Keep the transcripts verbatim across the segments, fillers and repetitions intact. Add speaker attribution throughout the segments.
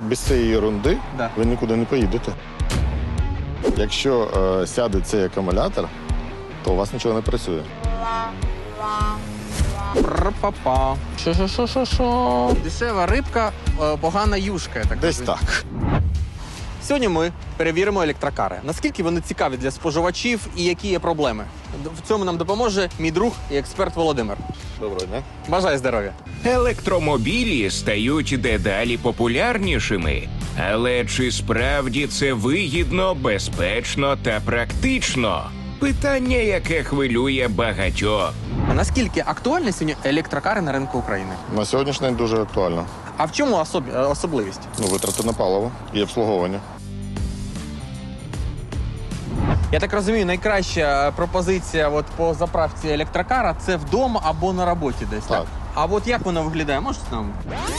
Speaker 1: без цієї ерунди
Speaker 2: Да.
Speaker 1: ви нікуди не поїдете. Якщо е, сяде цей акумулятор, то у вас нічого не працює.
Speaker 2: Пра-па-па. Що-що-що-що-що. Дешева рибка, е, погана юшка, я так
Speaker 1: Десь
Speaker 2: розумію.
Speaker 1: так.
Speaker 2: Сьогодні ми перевіримо електрокари. Наскільки вони цікаві для споживачів і які є проблеми. В цьому нам допоможе мій друг і експерт Володимир.
Speaker 1: Доброго дня.
Speaker 2: Бажаю здоров'я.
Speaker 3: Електромобілі стають дедалі популярнішими. Але чи справді це вигідно, безпечно та практично? Питання, яке хвилює багатьох.
Speaker 2: А наскільки актуальні сьогодні електрокари на ринку України?
Speaker 1: На сьогоднішній день дуже актуально.
Speaker 2: А в чому особ- особливість?
Speaker 1: Ну, витрати на паливо і обслуговування.
Speaker 2: Я так розумію, найкраща пропозиція от по заправці електрокара – це вдома або на роботі десь, так?
Speaker 1: Так.
Speaker 2: А от як воно виглядає? Можете нам?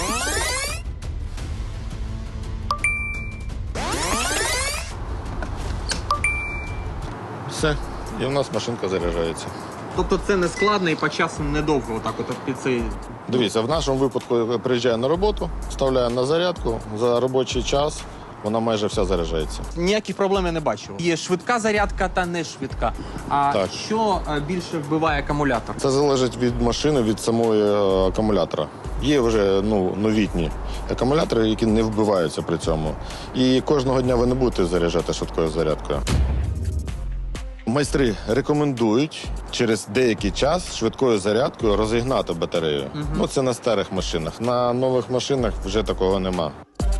Speaker 1: Все. І в нас машинка заряджається.
Speaker 2: Тобто це не складно і по часу недовго отак от під цей...
Speaker 1: Дивіться, в нашому випадку приїжджає на роботу, вставляє на зарядку, за робочий час вона майже вся заряджається.
Speaker 2: Ніяких проблем я не бачу. Є швидка зарядка та не швидка. А
Speaker 1: Так.
Speaker 2: що е, більше вбиває акумулятор?
Speaker 1: Це залежить від машини, від самої е, акумулятора. Є вже ну, новітні акумулятори, які не вбиваються при цьому. І кожного дня ви не будете заряджати швидкою зарядкою. Майстри рекомендують через деякий час швидкою зарядкою розігнати батарею.
Speaker 2: Мгм.
Speaker 1: Ну, це на старих машинах. На нових машинах вже такого нема.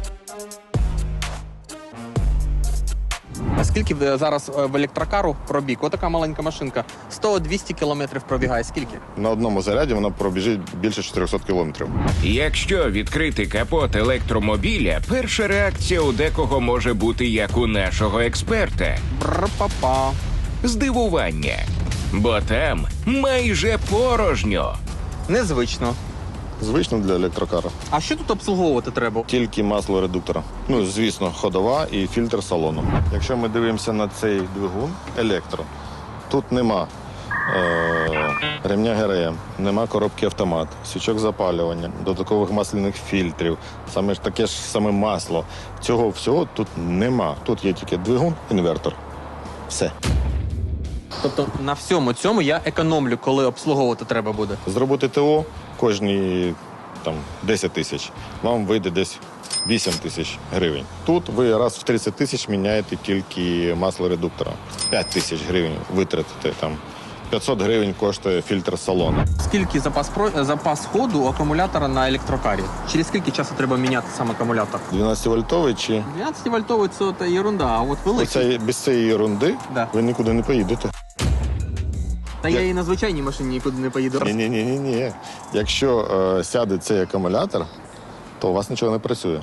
Speaker 2: А скільки в- зараз е, в електрокару пробіг? Отака маленька машинка. сто-двісті кілометрів пробігає. Скільки?
Speaker 1: На одному заряді вона пробіжить більше чотирьохсот кілометрів.
Speaker 3: Якщо відкрити капот електромобіля, перша реакція у декого може бути як у нашого експерта
Speaker 2: Бр-па-па.
Speaker 3: – здивування. Бо там майже порожньо.
Speaker 2: Незвично.
Speaker 1: Звично для електрокара.
Speaker 2: А що тут обслуговувати треба?
Speaker 1: Тільки масло редуктора. Ну, звісно, ходова і фільтр салону. Якщо ми дивимося на цей двигун електро, тут нема е- ремня ГРМ, нема коробки автомат, свічок запалювання, додаткових масляних фільтрів, саме ж таке ж саме масло. Цього всього тут нема. Тут є тільки двигун, інвертор. Все.
Speaker 2: Тобто на всьому цьому я економлю, коли обслуговувати треба буде.
Speaker 1: Зробити ТО кожні там, десять тисяч, вам вийде десь вісім тисяч гривень. Тут ви раз в тридцять тисяч міняєте тільки масло редуктора. п'ять тисяч гривень витратите там. п'ятсот гривень коштує фільтр салону.
Speaker 2: Скільки запас, про... запас ходу у акумулятора на електрокарі? Через скільки часу треба міняти сам акумулятор?
Speaker 1: дванадцятивольтовий чи
Speaker 2: дванадцятивольтовий – це та ерунда, а от великий.
Speaker 1: оця, без цієї ерунди
Speaker 2: Да.
Speaker 1: ви нікуди не поїдете.
Speaker 2: Та я і на звичайній машині нікуди не поїду.
Speaker 1: Ні-ні-ні. Якщо е, сяде цей акумулятор, то у вас нічого не працює.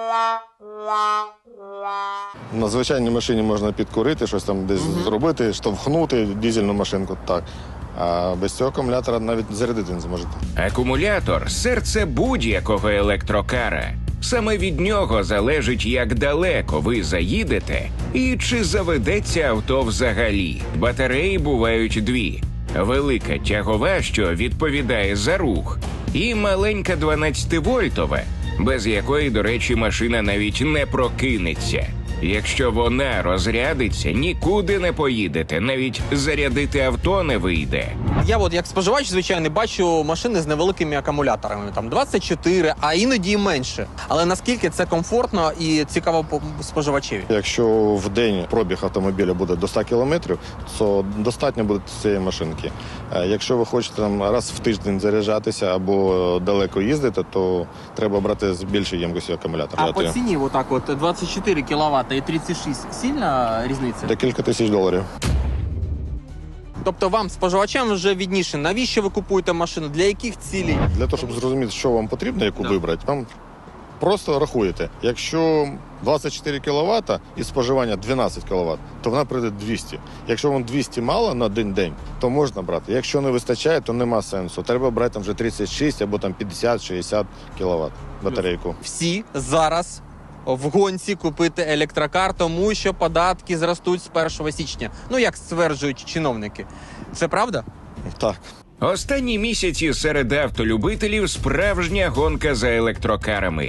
Speaker 1: На звичайній машині можна підкурити, щось там десь
Speaker 2: Мгм.
Speaker 1: зробити, штовхнути дизельну машинку, так. А без цього акумулятора навіть зарядити не зможете.
Speaker 3: Акумулятор – серце будь-якого електрокара. Саме від нього залежить, як далеко ви заїдете і чи заведеться авто взагалі. Батареї бувають дві. Велика тягова, що відповідає за рух, і маленька дванадцятивольтова, без якої, до речі, машина навіть не прокинеться. Якщо вона розрядиться, нікуди не поїдете, навіть зарядити авто не вийде.
Speaker 2: Я от як споживач, звичайно, бачу машини з невеликими акумуляторами, там двадцять чотири, а іноді і менше. Але наскільки це комфортно і цікаво по- споживачеві?
Speaker 1: Якщо в день пробіг автомобіля буде до ста кілометрів, то достатньо буде цієї машинки. Е, Якщо ви хочете там, раз в тиждень заряджатися або далеко їздити, то треба брати з більшою ємкістю акумулятора.
Speaker 2: А по ціні отак от двадцять чотири кіловата і тридцять шість сильна різниця?
Speaker 1: Декілька тисяч доларів.
Speaker 2: Тобто вам, споживачам, вже відніше, навіщо ви купуєте машину, для яких цілей?
Speaker 1: Для того, щоб зрозуміти, що вам потрібно, яку
Speaker 2: Да.
Speaker 1: вибрати, вам просто рахуєте. Якщо двадцять чотири кіловата і споживання дванадцять кіловат, то вона прийде двісті. Якщо вам двісті мало на один день, то можна брати. Якщо не вистачає, то нема сенсу. Треба брати там вже тридцять шість або там п'ятдесят-шістдесят кіловат батарейку.
Speaker 2: Всі зараз в гонці купити електрокар, тому що податки зростуть з першого січня. Ну, як стверджують чиновники. Це правда?
Speaker 1: Так.
Speaker 3: Останні місяці серед автолюбителів справжня гонка за електрокарами.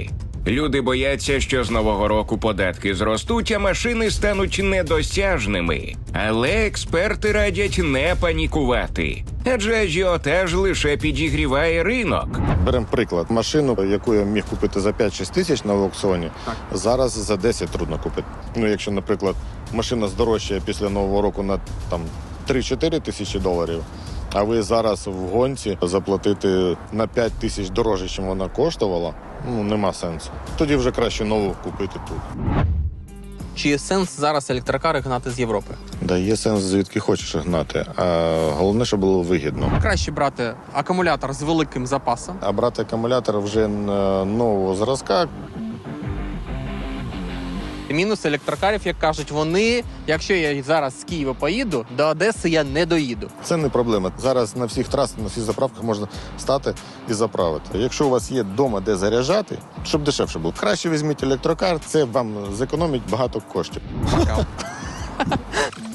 Speaker 3: Люди бояться, що з нового року податки зростуть, а машини стануть недосяжними. Але експерти радять не панікувати, адже ажіотаж лише підігріває ринок.
Speaker 1: Беремо приклад. Машину, яку я міг купити за п'ять-шість тисяч на аукціоні,
Speaker 2: Так.
Speaker 1: зараз за десять трудно купити. Ну, якщо, наприклад, машина здорожчає після Нового року на там три-чотири тисячі доларів, а ви зараз в гонці заплатити на п'ять тисяч дорожче, ніж вона коштувала, ну, нема сенсу. Тоді вже краще нову купити тут.
Speaker 2: Чи є сенс зараз електрокари гнати з Європи?
Speaker 1: Да, є сенс, звідки хочеш гнати, а головне, щоб було вигідно.
Speaker 2: Краще брати акумулятор з великим запасом.
Speaker 1: А брати акумулятор вже на нового зразка.
Speaker 2: Мінус електрокарів, як кажуть, вони, якщо я зараз з Києва поїду, до Одеси я не доїду.
Speaker 1: Це не проблема. Зараз на всіх трасах, на всіх заправках можна стати і заправити. Якщо у вас є вдома де заряджати, щоб дешевше було, краще візьміть електрокар, це вам зекономить багато коштів.
Speaker 2: Пока.